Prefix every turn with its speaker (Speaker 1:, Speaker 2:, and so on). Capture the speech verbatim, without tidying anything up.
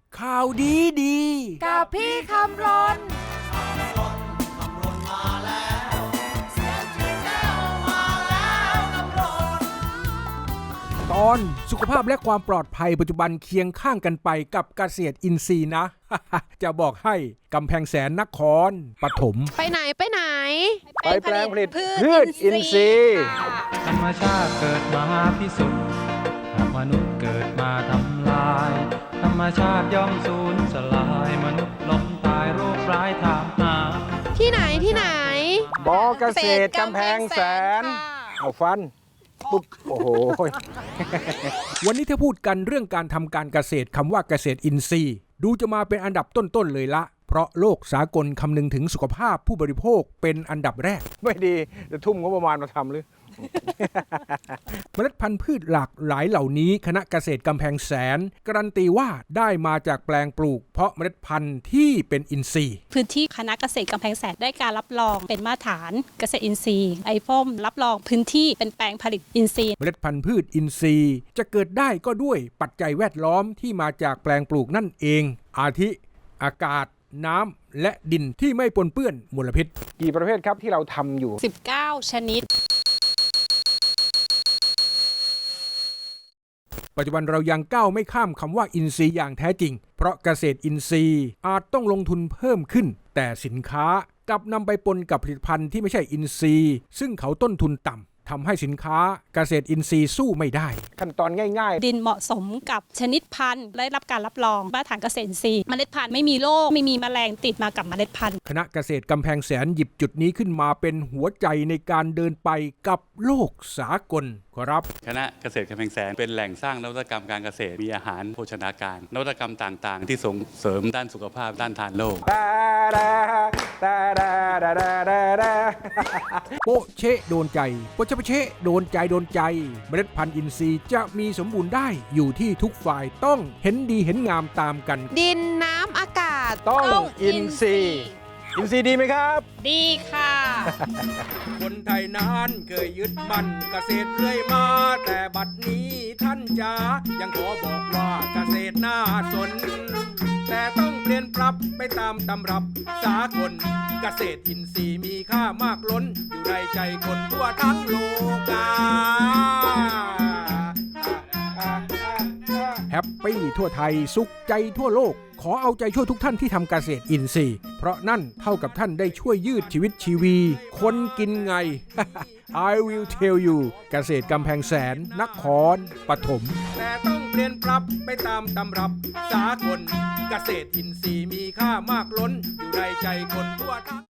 Speaker 1: ข่าวดีดี
Speaker 2: กับพี่คำรน
Speaker 1: ตอนสุขภาพและความปลอดภัยปัจจุบันเคียงข้างกันไปกับเกษตรอินทรีย์นะ จะบอกให้กำแพงแสนนครปฐม
Speaker 2: ไปไหนไปไหน
Speaker 3: ไปแปลงผลิตพืชอินทรีย์
Speaker 4: ธรรมชาติเกิดมาพิสุทธิ์หากมนุษย์เกิดมาทำลายธรรมชาติย่อมสูญสลายมนุษย์ล้มตายโรคร้ายถามหา
Speaker 2: ที่ไหนที่ไหน
Speaker 3: บอเกษตรกำแพงแสนเอาฟันปุ๊บโอ้โห
Speaker 1: วันนี้ถ้าพูดกันเรื่องการทำการเกษตรคำว่าเกษตรอินทรีย์ดูจะมาเป็นอันดับต้นๆเลยละเพราะโลกสากลคำนึงถึงสุขภาพผู้บริโภคเป็นอันดับแรก
Speaker 3: ไม่ดีจะทุ่มงบประมาณมาทำหรือ
Speaker 1: เมล็ดพันธุ์พืชหลากหลายเหล่านี้คณะเกษตรกำแพงแสนการันตีว่าได้มาจากแปลงปลูกเพราะเมล็ดพันธุ์ที่เป็นอินทรีย์
Speaker 5: พื้นที่คณะเกษตรกำแพงแสนได้การรับรองเป็นมาตรฐานเกษตรอินทรีย์ไอฟอมรับรองพื้นที่เป็นแปลงผลิตอินทรีย์
Speaker 1: เมล็ดพันธุ์พืชอินทรีย์จะเกิดได้ก็ด้วยปัจจัยแวดล้อมที่มาจากแปลงปลูกนั่นเองอาทิอากาศน้ำและดินที่ไม่ปนเปื้อนมลพิษ
Speaker 3: กี่ประเภทครับที่เราทำอยู่
Speaker 5: สิบเก้าชนิด
Speaker 1: ปัจจุบันเรายังก้าวไม่ข้ามคำว่าอินทรีย์อย่างแท้จริงเพราะเกษตรอินทรีย์อาจต้องลงทุนเพิ่มขึ้นแต่สินค้ากลับนำไปปนกับผลิตภัณฑ์ที่ไม่ใช่อินทรีย์ซึ่งเขาต้นทุนต่ำทำให้สินค้าเกษตรอินทรีย์สู้ไม่ได้
Speaker 3: ขั้นตอนง่าย
Speaker 5: ๆดินเหมาะสมกับชนิดพันธุ์ได้รับการรับรองมาตรฐานเกษตรอินทรีย์เมล็ดพันธุ์ไม่มีโรคไม่มีแมลงติดมากับเมล็ดพันธุ์
Speaker 1: คณะเกษตรกำแพงแสนหยิบจุดนี้ขึ้นมาเป็นหัวใจในการเดินไปกับโลกสากลครับ
Speaker 6: คณะเกษตรกำแพงแสนเป็นแหล่งสร้างนวัตกรรมการเกษตรมีอาหารโภชนาการนวัตกรรมต่างๆที่ส่งเสริมด้านสุขภาพด้านทานโลก
Speaker 1: โปเชะโดนใจโปเชะโปเชะโดนใจโดนใจเมล็ดพันธุ์อินทรีย์จะมีสมบูรณ์ได้อยู่ที่ทุกฝ่ายต้องเห็นดีเห็นงามตามกัน
Speaker 2: ดินน้ำอากาศ
Speaker 3: ต้องอินทรีย์อินทรีย์ดีไหมครับ
Speaker 5: ดีค่ะ
Speaker 1: คนไทยนั้นเคยยึดมั่นเกษตรเรื่อยมาแต่บัดนี้ท่านจ๋ายังขอบอกว่าเกษตรน่าสนแต่ต้องเปลี่ยนปรับไปตามตำรับสากลเกษตรอินทรีย์มีค่ามากล้นอยู่ในใจคนทั่วทั้งโลกาแฮปปี้ทั่วไทยสุขใจทั่วโลกขอเอาใจช่วยทุกท่านที่ทำเกษตรอินทรีย์เพราะนั่นเท่ากับท่านได้ช่วยยืดชีวิตชีวีคนกินไง I will tell you เกษตรกำแพงแสนนครปฐมแต่ต้องเปลี่ยนปรับไปตามตำรับสากลเกษตรอินทรีย์มีค่ามากล้นอยู่ในใจคนทั่วทั้ง